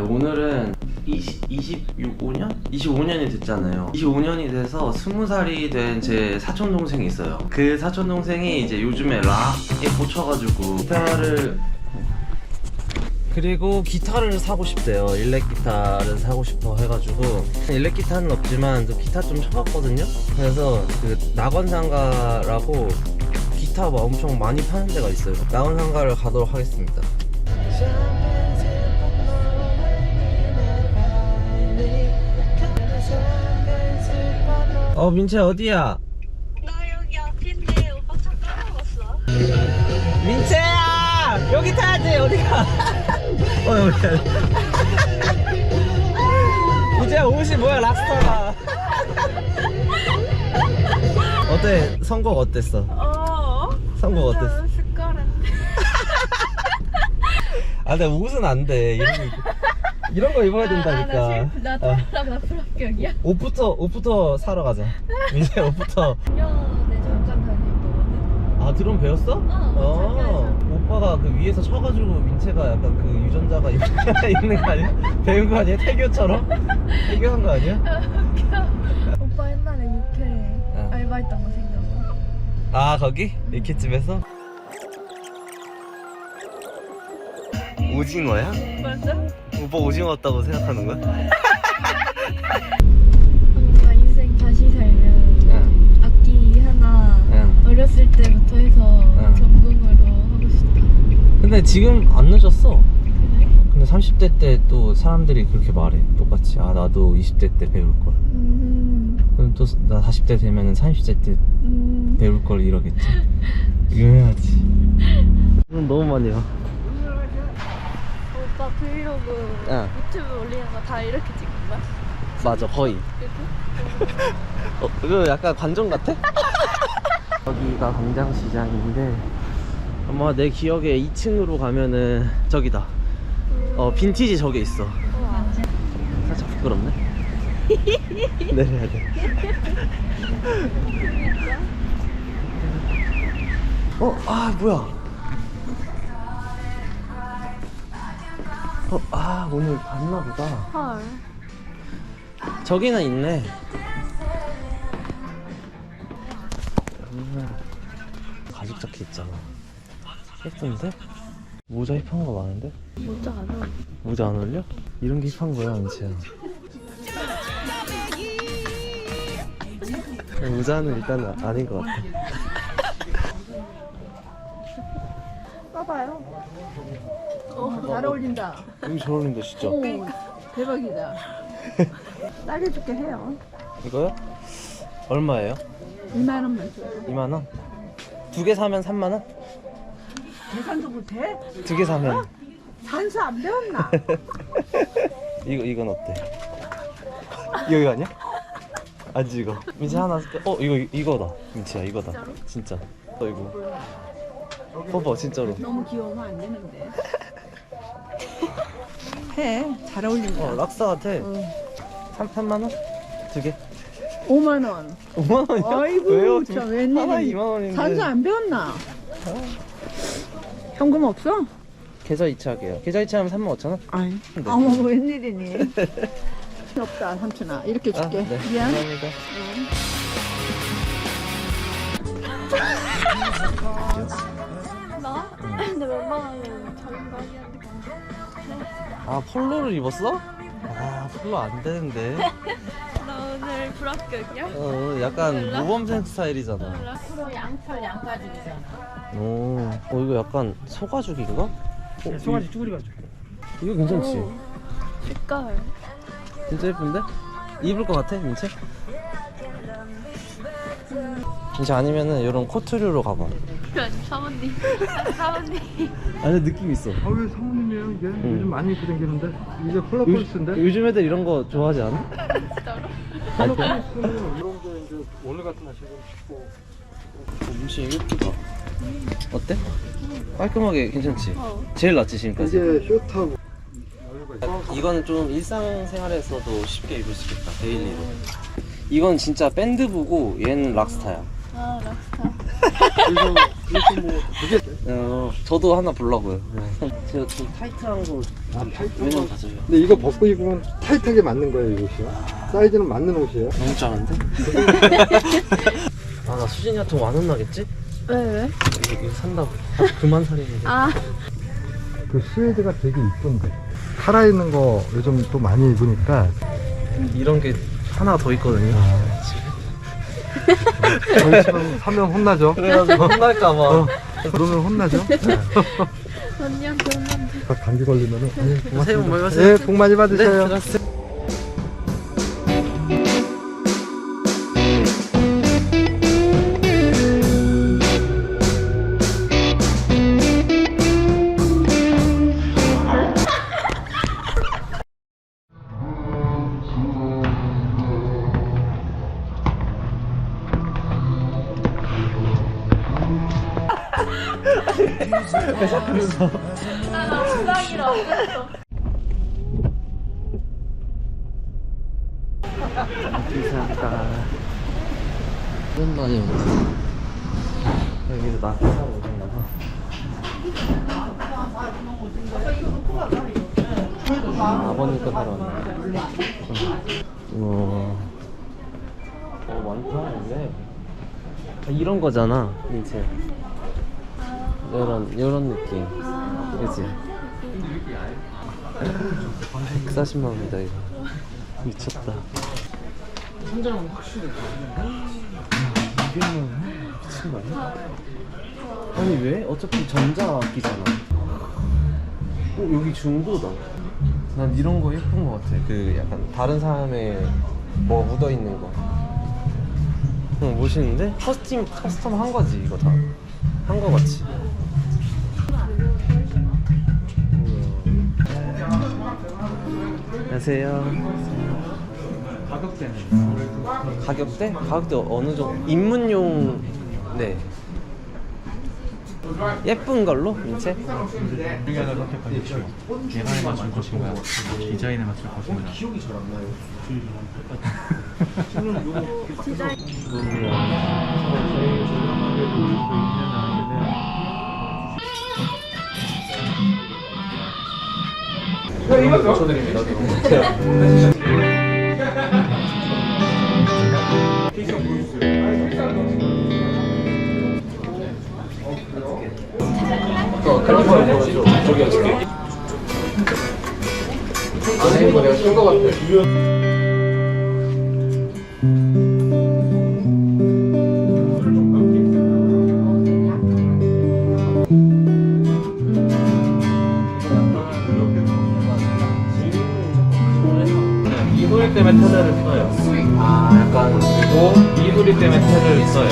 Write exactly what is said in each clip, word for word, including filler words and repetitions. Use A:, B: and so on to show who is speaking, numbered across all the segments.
A: 오늘은 이십, 이십오 년? 이십오 년이 됐잖아요. 이십오 년이 돼서 스무 살이 된 제 사촌동생이 있어요. 그 사촌동생이 이제 요즘에 락에 꽂혀가지고 기타를 그리고 기타를 사고 싶대요. 일렉 기타를 사고 싶어 해가지고 일렉 기타는 없지만 그 기타 좀 쳐봤거든요. 그래서 그 낙원상가라고 기타 뭐 엄청 많이 파는 데가 있어요. 낙원상가를 가도록 하겠습니다. 어 민채 어디야?
B: 나 여기 앞인데 오빠 차 까먹었어.
A: 민채야 여기 타야지. 어디가? 어 여기 타야지. 이제 옷이 뭐야 락스타가. 어때? 선곡 어땠어?
B: 어.
A: 선곡 어땠어?
B: 숟가락인데.
A: 아 근데 옷은 안돼. 이런 거 이런 거 입어야 된다니까.
B: 아, 나, 나,
A: 어.
B: 나, 나 불합격이야.
A: 옷부터 옷부터 사러 가자. 민채 옷부터.
B: 작년에 잠깐 다녔거든.
A: 아 드럼 배웠어?
B: 어,
A: 오빠가 그 위에서 쳐가지고 민채가 약간 그 유전자가 있는 거 아니야? 배운 거 아니야? 태교처럼? 태교한 거 아니야?
B: 웃겨. 오빠 옛날에 육회
A: 어.
B: 알바했던 거 생각나.
A: 아 거기? 이케집에서? 오징어야?
B: 맞아?
A: 오빠 오징어 같다고 생각하는 거야?
B: 뭔가 인생 다시 살면
A: 응.
B: 악기 하나
A: 응.
B: 어렸을 때부터 해서
A: 응.
B: 전공으로 하고 싶다.
A: 근데 지금 안 늦었어.
B: 그래?
A: 근데 삼십 대 때 또 사람들이 그렇게 말해. 똑같이. 아 나도 이십 대 때 배울 걸.
B: 음,
A: 그럼 또 나 사십 대 되면은 삼십 대 때
B: 음.
A: 배울 걸 이러겠지. 유명하지. 돈 너무 많이 와.
B: 오빠 브이로그
A: 응.
B: 유튜브 올리는 거 다 이렇게 찍는 거야?
A: 맞아 거의.
B: 그치?
A: 어, 이거 약간 관전 같아? 여기가 광장시장인데 아마 내 기억에 이 층으로 가면은 저기다. 어 빈티지 저게 있어.
B: 우와.
A: 살짝 부끄럽네. 내려야 돼. 어? 아 뭐야? 어? 아 오늘 봤나 보다.
B: 헐.
A: 저기는 있네. 음, 가죽 자켓 있잖아. 예쁜데? 모자 힙한 거 많은데?
B: 모자 안 어울려.
A: 모자 안 어울려? 이런 게 힙한 거야, 민채야. 모자는 일단 아닌 것 같아.
C: 봐봐요. 어, 잘 어울린다.
A: 여기 잘 어울린다, 진짜.
C: 오, 대박이다. 싸게줄게 해요.
A: 이거요? 얼마예요?
C: 이만 원만 줘요.
A: 이만 원? 두 개 사면 삼만 원?
C: 계산도 못해?
A: 두 개 사면.
C: 산수 안 배웠나?
A: 이거, 이건 어때? 이거 아니야? 아니지, 이거. 민채 하나 쓸게. 어, 이거, 이거다. 민채야, 이거다. 진짜. 어, 이거. 봐봐, 진짜로.
C: 너무 귀여우면 안 되는데. 해. 잘 어울린다.
A: 어, 락사 같아.
C: 응.
A: 삼, 삼만 원? 두 개?
C: 오만 원.
A: 오만 원이야?
C: 아이고,
A: 왜요?
C: 참
A: 하나
C: 웬일이.
A: 이만 원인데.
C: 산수 안 배웠나? 현금 없어?
A: 계좌 이체할게요. 계좌 이체하면 삼만 오천 원?
C: 아이.
A: 네.
C: 어머, 웬일이니? 없다, 삼촌아. 이렇게
A: 아,
C: 줄게.
A: 네.
C: 미안.
A: 감사합니다.
B: 나? 근데 웬만하면 작은 거 아니었는데.
A: 아, 폴로를 입었어? 아, 폴로 안 되는데.
B: 나 오늘 불합격이야?
A: 어, 약간 모범생 스타일이잖아.
C: 앞으로 양털 양가죽이잖아.
A: 오, 어, 이거 약간 소가죽인가? 어,
D: 소가지 쭈그리 가지고.
A: 이거 괜찮지?
B: 오. 색깔.
A: 진짜 예쁜데? 입을 것 같아, 민채? 민채 아니면은 이런 코트류로 가봐.
B: 아니, 사모님. 사모님.
A: 아니, 느낌 있어.
D: 아 왜 사모님이에요 이게? 요즘 많이 입고 다니는데 이게 컬러폴리스인데?
A: 요즘 애들 이런 거 좋아하지 않아?
B: 진짜로?
D: 컬러폴리스는 이런 게 이제 오늘 같은 날씨에 춥고.
A: 민채 이거 예쁘다. 어때? 깔끔하게 괜찮지?
B: 어.
A: 제일 낫지 지금까지.
D: 이게 숏하고
A: 이거는 좀 일상생활에서도 쉽게 입을 수 있겠다. 데일리로. 이건 진짜 밴드부고 얘는 락스타야.
C: 아 락스타.
D: 그래서 그래서 뭐 그게
A: 어, 저도 하나 보려고요. 제가 좀 타이트한 거
D: 아, 타이트한
A: 왜냐면
D: 거.
A: 가져요.
D: 근데 이거 벗고 입으면 타이트하게 맞는 거예요, 이 옷이요. 사이즈는 맞는 옷이에요.
A: 너무 작은데? 아, 나 수진이 같은 거 안 혼나겠지?
C: 왜 왜?
A: 이거, 이거 산다고. 아, 그만 사리는데.
C: 아
D: 그 스웨드가 되게 이쁜데. 살아있는 거 요즘 또 많이 입으니까.
A: 이런 게 하나가 더 있거든요.
D: 저희 지금 사면 혼나죠.
A: 그래가지고 혼날까봐.
D: 어, 그러면 혼나죠.
C: 언니한테 혼난다.
D: 딱 감기 걸리면은. 아니, 고맙습니다.
A: 새해 복 많이 받으세요.
D: 예, 복 많이 받으세요.
A: 네, 들어가세요. 감사합니다. 오랜만에 오네. 여기서 낙타 사러 오셨나 봐. 아, 아버님 거 사러 왔네. 우와. 어, 많다, 근데. 아, 이런 거잖아, 이제. 이런, 이런 느낌. 그치? 백사십만 원이다, 이거. 미쳤다. 천장은 확실히 이게는 미친 거 아니야? 아니 왜? 어차피 전자악기잖아. 어 여기 중고다. 난 이런 거 예쁜 거 같아. 그 약간 다른 사람의 뭐 묻어 있는 거. 응 멋있는데? 커스텀 커스텀 한 거지 이거 다. 한 거 같이. 안녕하세요.
D: 가격대는?
A: 가격대? 가격대 어느 정도? 입문용 네 예쁜 걸로 민채?
E: 중에 하나 선택하십시오. 예산에 맞출 것인가, 디자인에 맞출 것인가.
A: 기억이 잘 안 나요. 이거 쳐드립니다. 어, 칼리포니아 보여줘. 저기 어떻게? 안에 이거 내가 쓴거 같아.
E: 이 소리 때문에 테드를 써요.
A: 아, 약간
E: 그리고 이 소리 때문에 테드를 써요.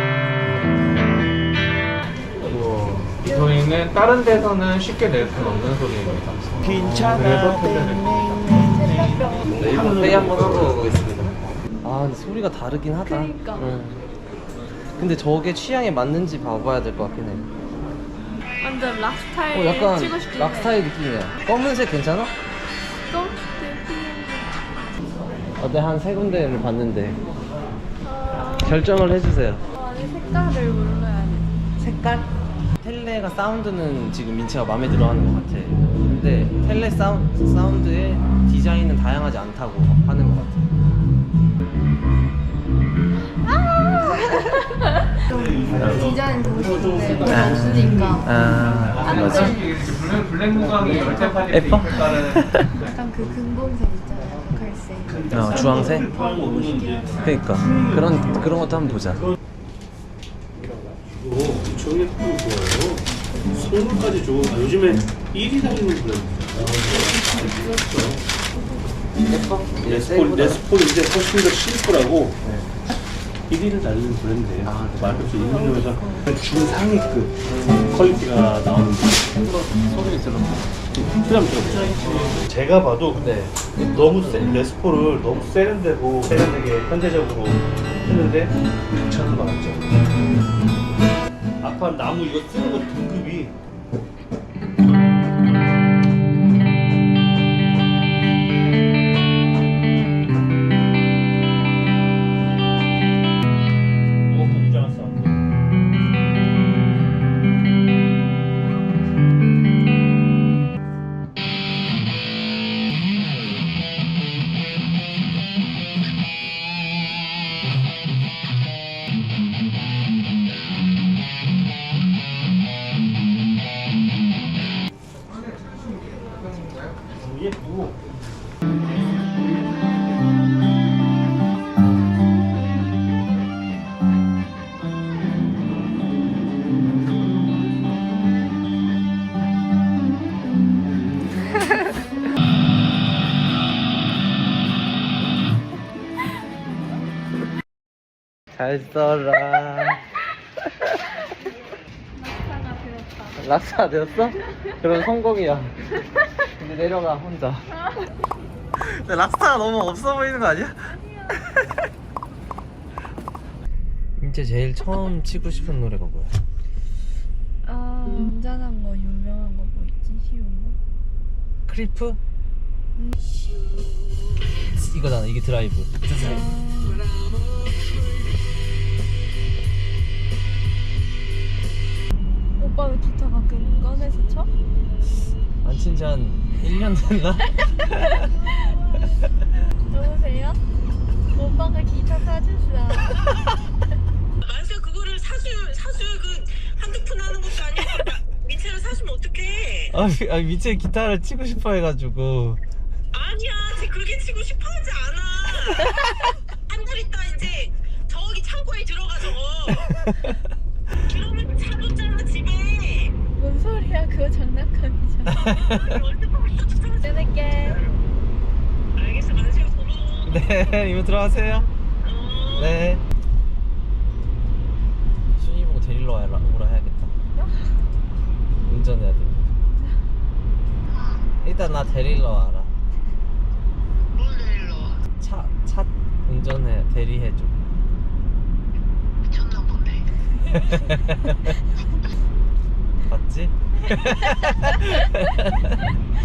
E: 이 소리는 다른 데서는 쉽게 낼 수는 없는 소리입니다. 그래서 테드를.
A: 네, 이거 회의 한번 하고 오겠습니다. 아, 근데 소리가 다르긴 하다.
C: 그러니까.
A: 응. 근데 저게 취향에 맞는지 봐봐야 될 것 같긴 해.
C: 완전 락 스타일
A: 어, 약간
C: 치고 싶은데.
A: 락 스타일 느낌이야. 검은색 괜찮아?
C: 또?
A: 어제 한 세 군데를 봤는데 결정을 해주세요.
C: 아니 색깔을 몰라야 돼.
A: 색깔? 텔레가 사운드는 지금 민채가 마음에 들어하는 것 같아. 근데 텔레 사운, 사운드의 디자인은 다양하지 않다고 하는 것 같아.
C: 디자인 보고 싶은데 그게 없으니까
A: 아, 맞아.
E: 블랙, 블랙 무광이 열쇠판이
A: 예뻐?
C: 약간 그 금공색 있잖아요. 갈색.
A: 어, 주황색? 그러니까 그런 그런 것도 한번 보자.
F: 엄청 예쁘고 좋아요. 선물까지 좋은. 아, 요즘에 일 위 달리는 브랜드.
A: 예뻐?
F: 레스폴, 레스폴인데 훨씬 더 심플하고 일 위를 달리는 브랜드예요. 아, 말없이 인류에서 중상위급 퀄리티가 나오는
A: 소리 들어.
F: 부담 들어보세요. 제가 봐도 근데 너무 세, 레스폴을 너무 세련되고 세련되게 현대적으로 했는데 육천 원 나왔죠. 아까 나무 이거 쓰는 거 등급이 뭐가 복장한 싸움. 너무 예쁘고.
A: 잘 써라.
C: 낙타가 되었다.
A: 락사 되었어? 그럼 성공이야. 근데 내려가 혼자. 근데 락스타가 너무 없어 보이는 거 아니야? 이제 제일 처음 치고 싶은 노래가 뭐야?
C: 아, 운전한 거 유명한 거 뭐 있지? 쉬운 거?
A: 크리프? 이거잖아. 이게 드라이브.
C: 오빠는 기타 가끔 꺼내서 쳐?
A: 안 친 지 한 일 년 됐나?
C: 누구세요? 오빠가 기타 사줬어.
B: 만수야 그거를 사수 사수 그 한두 푼 하는 것도 아니고 민채를 사주면 어떡해?
A: 아, 미- 아 미체 기타를 치고 싶어 해가지고.
B: 아니야, 쟤 그렇게 치고 싶어하지 않아. 한 달 있다 이제 저기 창고에 들어가 저거. 그러면 사줬잖아 집에.
C: 뭔 소리야? 그거 장난감이잖아.
B: 월드컵부터 주잖아.
C: 끊을게.
B: 알겠어, 만수야 고마워.
A: 네, 이모 들어가세요.
B: 어.
A: 네. 순이 보고 데리러 와라, 오라 해야겠다. 운전해야 돼. 일단 나 데리러 와라.
B: 뭘 내릴러?
A: 차, 차 운전해, 대리해줘.
B: 미쳤나 보네.
A: 맞지?